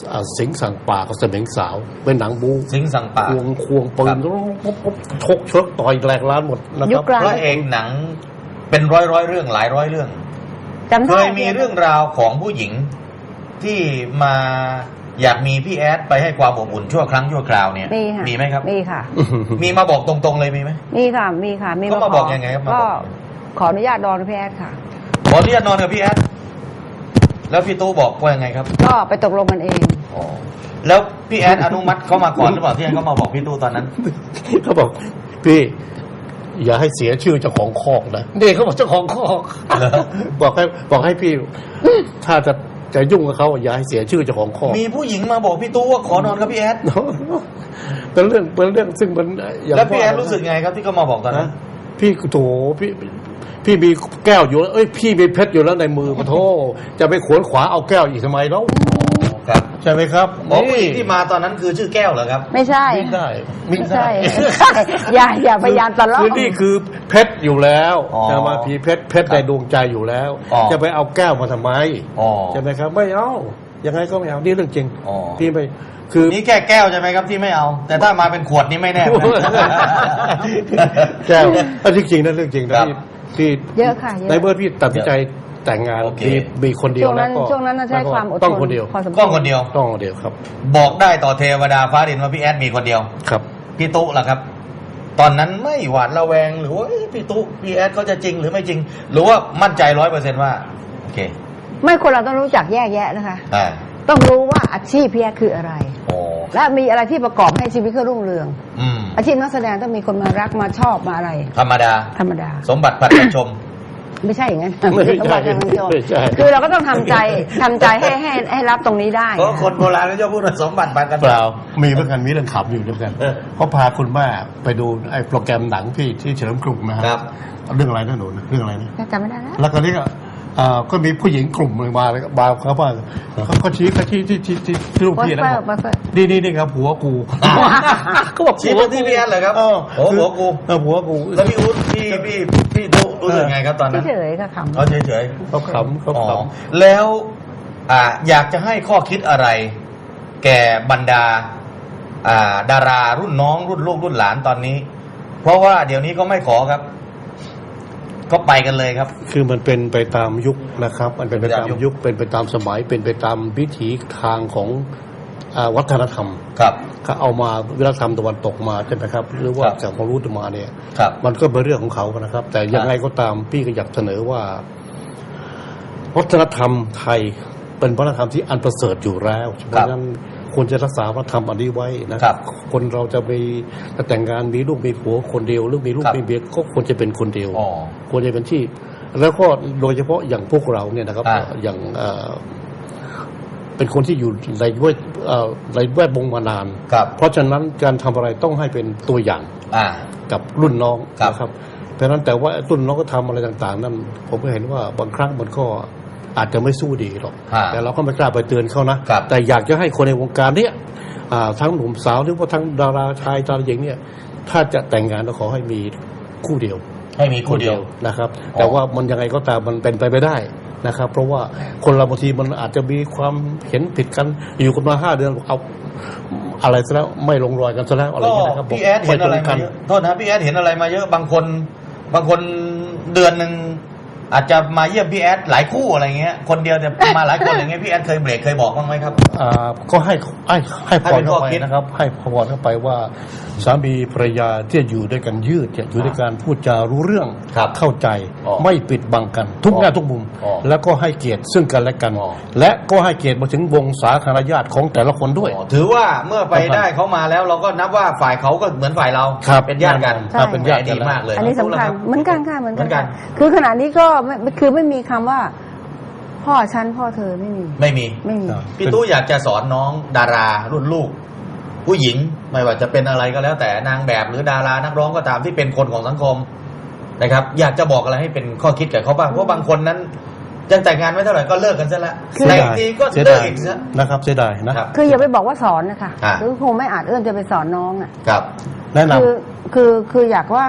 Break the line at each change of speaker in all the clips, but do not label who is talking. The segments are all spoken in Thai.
สิงห์สั่งป่ากับเสมิงสาวเป็นหนังบู๊
สิงห์สั่งป่า
ควงปืนชกเชิกต่อยแหลกล้านหมดนะครับ
พระเอกหนังเป็นร้อยเรื่องหลายร้อยเรื่องเคยมีเรื่องราวของผู้หญิงที่มาอยากมีพี่แอดไปให้ความอบอุ่นชั่วครั้งชั่วคราวเนี่ยมีไหมครับ
มีค่ะ
มีมาบอกตรงๆเลยมีไหม
มีค่ะมีค่ะมี
มาบอกยังไงครับ
ก็ขออนุญาตนอนกับพี่แอดค่ะ
ขออนุญาตนอนกับพี่แอดแล้วพี่ตู้บอกว่ายังไงครับ
ก็ไปตกลงกันเอง
แล้วพี่แอดอนุมัติเขามาก่อนหรือเปล่าที่เขามาบอกพี่ตู้ตอนนั้น
เขาบอกพี่อย่าให้เสียชื่อเจ้าของคอกนะนี่เขาบอกเจ้าของคอกบอกให้พี่ถ้าจะยุ่งกับเขาอย่าให้เสียชื่อเจ้าของคอก
มีผู้หญิงมาบอกพี่ตู้ว่าขอนอนกับพี่แอด
เป็นเรื่องซึ่งมัน
แล้วพี่แอดรู้สึกไงครับที่เขามาบอกตอนนั้น
พี่โถพี่มีแก้วอยู่แล้วพี่มีเพชรอยู่แล้วในมือโถจะไปขวนขวาเอาแก้วอีกทำไมแล้ว
ครับ
ใช่ไหมครับ
ผู้หญิงที่มาตอนนั้นคือชื่อแก้วเหรอครับ
ไม่ใช่
ไม่ใช่
อย่าพยายามตลอด
คือนี่คือเพชรอยู่แล้วจะมาพีเพชรในดวงใจอยู่แล้วจะไปเอาแก้วมาทำไมใช่ไหมครับไม่เอายังไงก็ไม่เอานี่เรื่องจริงพี่ไม่คือ
นี่แค่แก้วใช่ไหมครับที่ไม่เอาแต่ถ้ามาเป็นขวดนี่ไม่แน่
แก้วจริงๆนั่นเรื่องจริงนะพี่
เยอะค่ะ
ในเมื่อพี่ตัดสินใจแต่งงานมีคนเดียวแล้วก็
ช่วงนั้นใช้ความอดทน
ต้องคนเดียว
ต้องคนเดียว
ครับ
บอกได้ต่อเทวดาฟ้าดินว่าพี่แอดมีคนเดียว
ครับ
พี่ตุ๊ล่ะครับตอนนั้นไม่หวาดระแวงหรือว่าพี่ตุ๊พี่แอดเขาจะจริงหรือไม่จริงหรือว่ามั่นใจ100%ว่าโอเค
ไม่คนเราต้องรู้จักแยกแยะนะคะต้องรู้ว่าอาชีพพี่แอดคืออะไรและมีอะไรที่ประกอบให้ชีวิตเขารุ่งเรืองอาชีพนักแสดงต้องมีคนมารักมาชอบมาอะไร
ธรรมดาสมบัติผัดกันชม
ไม่ใช่อย่างนั้นคือเราก็ต้องทำใจให้รับตรงนี้ได้
เพราะคนโบราณเขาจะพูดว่าสมบัติผัดกัน
เปล่ามีเพื่อนกันมีเรื่องขำอยู่ด้วยกันเขาพาคุณแม่ไปดูไอ้โปรแกรมหนังที่เฉลิมกรุงนะครับเรื่องอะไรนะหนูเรื่องอะไรนะ
จำไม่ได้
แล้วก็นี่ก็มีผู้หญิงกลุ่มหนึ่งมาเขาว่าเขาชี้ที่ลูกพี่แล้วนี่ครับผัวกู
ก็บอกชี้ที่พี่แอนเลยครับผัวกูแล้วพี่อุ๊ดพี่ดูรู้สึกไงครับตอนนั้น
เฉยๆก็ขำ
เขาเฉย
เขาข
ำแล้วอยากจะให้ข้อคิดอะไรแก่บรรดาดารารุ่นน้องรุ่นลูกรุ่นหลานตอนนี้เพราะว่าเดี๋ยวนี้ก็ไม่ขอครับก็ไปกันเลยครับ
คือมันเป็นไปตามยุคนะครับมันเป็นไปตามยุคเป็นไปตามสมัยเป็นไปตามวิถีทางของวัฒนธรรม
ครับ
เขาเอามาวัฒนธรรมตะวันตกมาใช่ไหมครับหรือว่าจากความรู้มาเนี่ยมันก็เป็นเรื่องของเขานะครับแต่ยังไงก็ตามพี่ก็อยากเสนอว่าวัฒนธรรมไทยเป็นวัฒนธรรมที่อันประเสริฐอยู่แล้วเพราะฉะนั้นควรจะรักษาวัฒนธรรมอันนี้ไว้นะครับคนเราจะไปแต่งงานมีลูกมีผัวคนเดียวหรือมีลูกมีเมียก็ควรจะเป็นคนเดียวควรจะเป็นที่แล้วก็โดยเฉพาะอย่างพวกเราเนี่ยนะครับอย่างเป็นคนที่อยู่ในแวดวงมานานเพราะฉะนั้นการทำอะไรต้องให้เป็นตัวอย่างกับรุ่นน้องนะครับเพราะฉะนั้นแต่ว่ารุ่นน้องก็ทำอะไรต่างๆนั่นผมก็เห็นว่าบางครั้งมันก็อาจจะไม่สู้ดีหรอกแต่เราก็ไม่กล้าไปเตือนเขานะแต่อยากจะให้คนในวงการเนี้ยทั้งหนุ่มสาวหรือว่าทั้งดาราชายดาราหญิงเนี่ยถ้าจะแต่งงานก็ขอให้มีคู่เดียว
ให้มีคู่เดียว
นะครับแต่ว่ามันยังไงก็ตามมันเป็นไปไม่ได้นะครับเพราะว่าคนเราบางทีมันอาจจะมีความเห็นผิดกันอยู่กันมา5 เดือนเอาอะไรซะแล้วไม่ลงรอยกันซะแล้วอะไรอย่างเงี้ยนะครับ
พี่แอดเห็นอะไรมาเยอะโทษนะพี่แอดเห็นอะไรมาเยอะบางคนเดือนนึงอาจจะมาเยี่ยมพี่แอดหลายคู่อะไรเงี้ยคนเดียวแต่มาหลายคนอย่างเงี้ยพี่แอดเคยเบรกเคยบอกบ้างไหมครับ
ก็ให้พรเข้าไปนะครับให้พรเข้าไปว่าสามีภรรยาที่อยู่ด้วยกันยืดอยู่ด้วยการพูดจารู้เรื่องเข้าใจไม่ปิดบังกันทุกแง่ทุกมุมแล้วก็ให้เกียรติซึ่งกันและกันและก็ให้เกียรติมาถึงวงสาคารญาติของแต่ละคนด้วย
ถือว่าเมื่อไปได้เขามาแล้วเราก็นับว่าฝ่ายเขาก็เหมือนฝ่ายเราเป็นญาติกัน
เป็นญาติ
ดีมากเลย
อันนี้สำคัญเหมือนกันค่ะเหมือนกันคือขณะนี้ก็คือไม่มีคำว่าพ่อฉันพ่อเธอไม่มี
พี่ตู้อยากจะสอนน้องดารารุ่นลูกผู้หญิงไม่ว่าจะเป็นอะไรก็แล้วแต่นางแบบหรือดารานักร้องก็ตามที่เป็นคนของสังคมนะครับอยากจะบอกอะไรให้เป็นข้อคิดกับเขาบ้างเพราะบางคนนั้นยังแต่งงานไม่เท่าไหร่ก็เลิกกันซะแล้วแต่ทีก็เลิกอีกซะ
นะครับเสียดายนะ
คืออย่าไปบอกว่าสอนนะคะคือคงไม่อาจเอื้อนจะไปสอนน้องอ่ะ
ครับ
แนะน
ำคืออยากว่า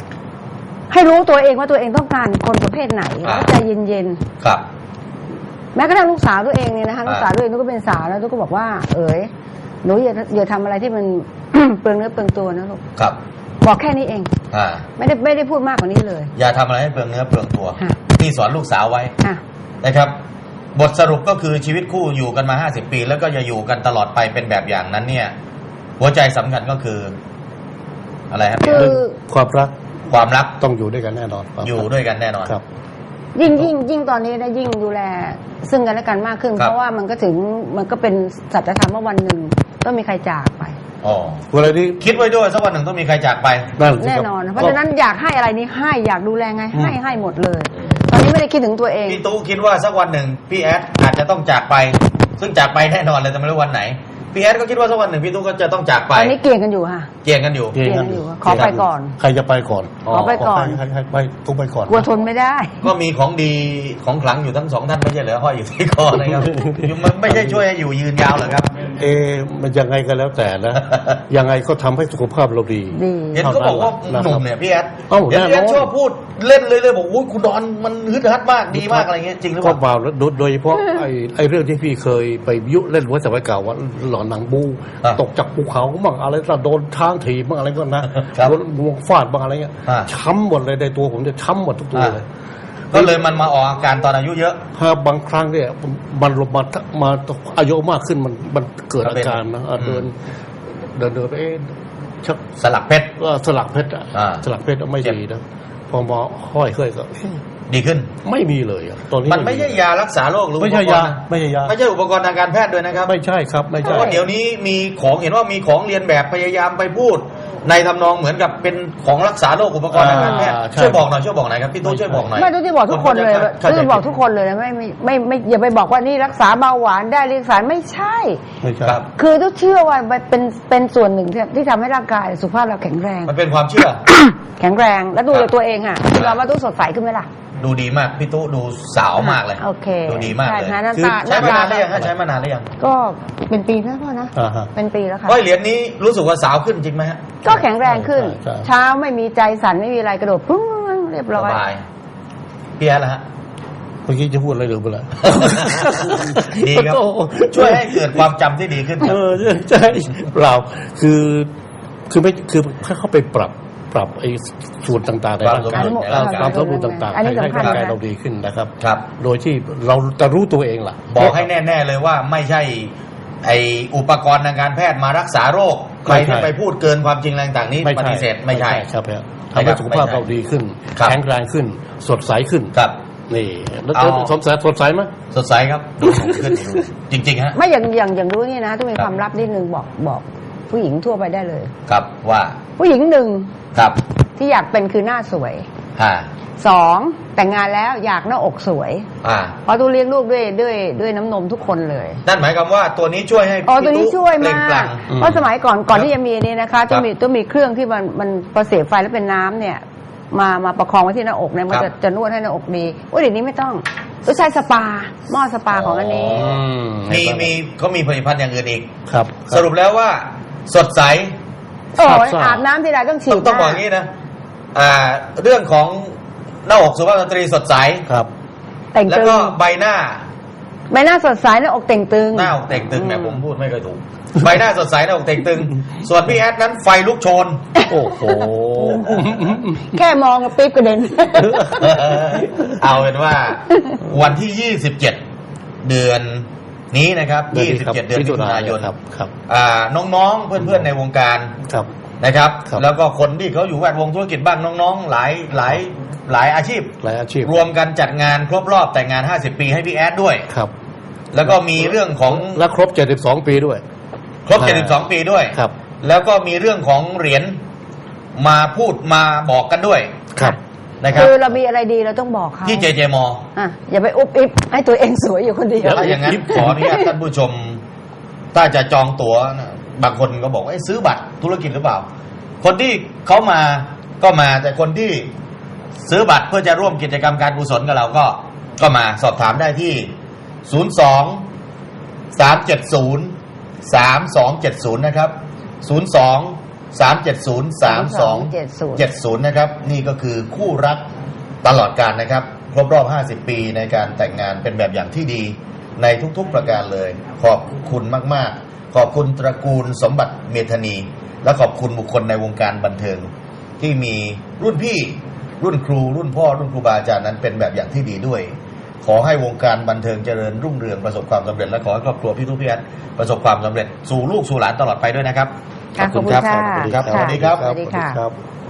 ให้รู้ตัวเองว่าตัวเองต้องการคนประเภทไหนแล้วใจเย็น
ๆครับ
แม้กระทั่งลูกสาวตัวเองเนี่ยนะคะลูกสาวตัวเองก็เป็นสาวแล้วก็บอกว่าเอ๋ยหนูอย่าทำอะไรที่มัน เปลืองเนื้อเปลืองตัวนะลูก
ครับ
บอกแค่นี้เองไม่ได้พูดมากกว่านี้เลย
อย่าทำอะไรให้เปลืองเนื้อเปลืองตัวที่สอนลูกสาวไว้นะครับบทสรุปก็คือชีวิตคู่อยู่กันมา50 ปีแล้วก็จะอยู่กันตลอดไปเป็นแบบอย่างนั้นเนี่ยหัวใจสำคัญก็คืออะไรครับ
คือ
ความรัก
ต้
องอยู่ด้วยกันแน่นอน
อยู่ด้วยกันแน่นอน
ครับ
ยิ่งตอนนี้นะยิ่งดูแลซึ่งกันและกันมากขึ้นเพราะว่ามันก็เป็นสัจธรรมว่าวันหนึ่งต้องมีใครจากไป
อะไรนี้คิดไว้ด้วยสักวันหนึ่งต้องมีใครจากไป
แน่นอนเพราะฉะนั้นอยากให้อะไรนี้ให้อยากดูแลไงให้หมดเลยตอนนี้ไม่ได้คิดถึงตัวเอง
พี่ตู้คิดว่าสักวันหนึ่งพี่แอดอาจจะต้องจากไปซึ่งจากไปแน่นอนเลยแต่ไม่รู้วันไหนพี่แอดก็คิดว่าสักวันหนึ่งพี่ตู้ก็จะต้องจากไป
ตอนนี้เกี่ยงกันอยู่ค่ะ
เกี่ยงกันอยู่
ขอไปก่อน
ใครจะไปก่อน
ขอไปก่อน
ให้ไปตู้ไปก่อน
กลัวทนไม่ได้
ก็มีของดีของขลังอยู่ทั้ง2ท่านไม่ใช่เหรอห้อยอยู่ที่คอนะครับมันไม่ใช่ช่วยให้อยู่ยืนยาวหรอครับ
มันยังไงก็แล้วแต่นะยังไงก็ทำให้สุขภาพเราดี
เห็นเขาบอกว่าหนุ่มเนี่ยพี่แอดเห็นพี่แอดชอบพูดเล่นเลยบอกอุ้ยคุณดอนมันฮึดฮัดมากดีมากอะไรเงี้ยจริงหรือเปล่า
ก็เปล่าโดยเฉพาะไอ้เรื่องที่พี่เคยไปยุเล่นไว้สมัยเก่าว่าหลอนหนังบูตกจากภูเขาบ้างอะไรโดนช้างถีบบ้างอะไรก็นะโดนงวงฟาดบ้างอะไรเงี้ยช้ำหมดเลยในตัวผมจะช้ำหมดทุกตัวเลย
ก็เลยมันมาออกอาการตอนอายุเยอะ
บางครั้งเนี่ยมันลงมาอายุมากขึ้นมันเกิดอาการนะเดินชัก
สลักเพชร
สลักเพชรสลักเพชรไม่ดีนะพอมาห้อยเคยก็
ดีขึ้น
ไม่มีเลยตอนนี้
มันไม่ใช่ยารักษาโรคหรือ
ไม่ใช่ยาไม่ใช่
อุปกรณ์ทางการแพทย์ด้วยนะครับ
ไม่ใช่ครับไม่ใช่
เพราะเดี๋ยวนี้มีของเห็นว่ามีของเรียนแบบพยายามไปพูดในทำนองเหมือนกับเป็นของรักษาโรคอุปกรณ์ทางการแพทย์ช่วยบอกหน่อยครับพี่ตู้ช่วยบอกหน่อย
ไม่ต้องที่บอกทุกคนเลยคือบอกทุกคนเลยนะไม่อย่าไปบอกว่านี่รักษาเบาหวานได้รักษาไม่ใช่คือต้องเชื่อว่าเป็นส่วนหนึ่งที่ทำให้ร่างกายสุขภาพเราแข็งแรง
มันเป็นความเชื่อ
แข็งแรงแล้วดูตัวเองค่ะเราว่าตู้สดใสขึ้นไหมล่ะ
ดูดีมากพี่ตู้ดูสาวมากเลย
โอเค
ดูดีมากเลย
คือ
ใช้มานานหรือยังใช้มานานหรือยัง
ก็เป็นปีแล้วพ่อนะเป็นปีแล้วค่ะ
เหรียญนี้รู้สึกว่าสาวขึ้นจริงไหมฮะ
ก็แข็งแรงขึ้นเช้าไม่มีใจสั่นไม่มีอะไรกระโดดพุ่งเรียบร้อย
สบายพี่แอดล่ะฮะ
เมื่อกี้จะพูดอะไรหรือเปล่า
ดีครับช่วยให้เกิดความจำที่ดีขึ้น
ใช่เปล่าคือเข้าไปปรับไอ้ส่วนต่างๆในร่างกายความสมดุลต่างๆให้ร่างกายเราดีขึ้นนะครับโดยที่เราจะรู้ตัวเองล่ะ
บอกให้แน่ๆเลยว่าไม่ใช่ไอ้อุปกรณ์ทางการแพทย์มารักษาโรคใครที่ไปพูดเกินความจริงอะไรต่างๆนี้ปฏิเสธไม่ใช่
ครับทำให้สุขภาพเราดีขึ้นแข็งแรงขึ้นสดใสขึ้นนี่แล้วสดใสไหม
สดใสครับดูขึ้นจริงๆฮะ
ไม่อย่างรู้นี่นะต้องมีความลับนิดนึงบอกผู้หญิงทั่วไปได้เลย
ครับว่า
ผู้หญิงหนึ่ง
ครับ
ที่อยากเป็นคือหน้าสวย2แต่งงานแล้วอยากหน้าอกสวยเพราะต้องเลี้ยงลูกด้วยน้ำนมทุกคนเลย
นั่นหมายความว่าตัวนี้ช่วยให้
ตัวนี้ช่วยมากเพราะสมัยก่อนที่จะมีนี้นะคะต้องมีเครื่องที่มันประเสียบไฟแล้วเป็นน้ำเนี่ยมาประคองไว้ที่หน้าอกเนี่ยมันจะนวดให้หน้าอกดีเดี๋ยวนี้ไม่ต้องใช้สปาหม้อสปาของอันนี้
เขามีผลิตภัณฑ์อย่างอื่นอีก
ครับ
สรุปแล้วว่าสดใส
อาบน้ำทีไรต้องฉีด
ต้องบอกอย่างนี้นะเรื่องของหน้าอกสุภาพสตรีสดใส
ครับ
แล้วก็ใบหน้า
สดใสหน้าอกเต่งตึง
หน้าอกเต่งตึงเนี่ยผมพูดไม่เคยถูกใบหน้าสดใสหน้าอกเต่งตึงส่วนพี่แอดนั้นไฟลุกโชน
โอ้โห
แค่มองก็ปิ๊บกระเด็น
เอาเป็นว่าวันที่27เดือนนี้นะครับ27เดือนมิถุนายน
ครับ
น้องๆเพื่อนๆในวงการนะครับแล้วก็คนที่เขาอยู่แวดวงธุรกิจบ้างน้องๆหลายอาชีพรวมกันจัดงานครบรอบแต่งงาน50ปีให้พี่แอดด้วย
ครับ
แล้วก็มีเรื่องของ
และครบ72ปีด้วย
ครบ72ปีด้วย
ครับ
แล้วก็มีเรื่องของเหรียญมาพูดมาบอกกันด้วย
ครับ
นะครับ
คือเรามีอะไรดีเราต้องบอกเขา
ที่ JJม
อย่าไปอุบอิบให้ตัวเองสวยอยู่คนเดียว
ถ้าอย่างนั้นขออนุญาตท่านผู้ชมถ้าจะจองตั๋วบางคนก็บอกว่าซื้อบัตรธุรกิจหรือเปล่าคนที่เขามาก็มาแต่คนที่ซื้อบัตรเพื่อจะร่วมกิจกรรมการกุศลกับเราก็มาสอบถามได้ที่02-370-3270นะครับ02-370-3270นะครับนี่ก็คือคู่รักตลอดกาลนะครับครบรอบ50ปีในการแต่งงานเป็นแบบอย่างที่ดีในทุกๆประการเลยขอบคุณมากๆขอบคุณตระกูลสมบัติเมธานีและขอบคุณบุคคลในวงการบันเทิงที่มีรุ่นพี่รุ่นครูรุ่นพ่อรุ่นครูบาอาจารย์นั้นเป็นแบบอย่างที่ดีด้วย ขอให้วงการบันเทิงเจริญรุ่งเรืองประสบความสำเร็จและขอให้ครอบครัวพี่ทุกพี่อันประสบความสำเร็จสู่ลูกสู่หลานตลอดไปด้วยนะครับ
ขอบคุณค่ะ
ขอบคุณครับสวัสดีครับ
สวัสดีค่ะ
ครับ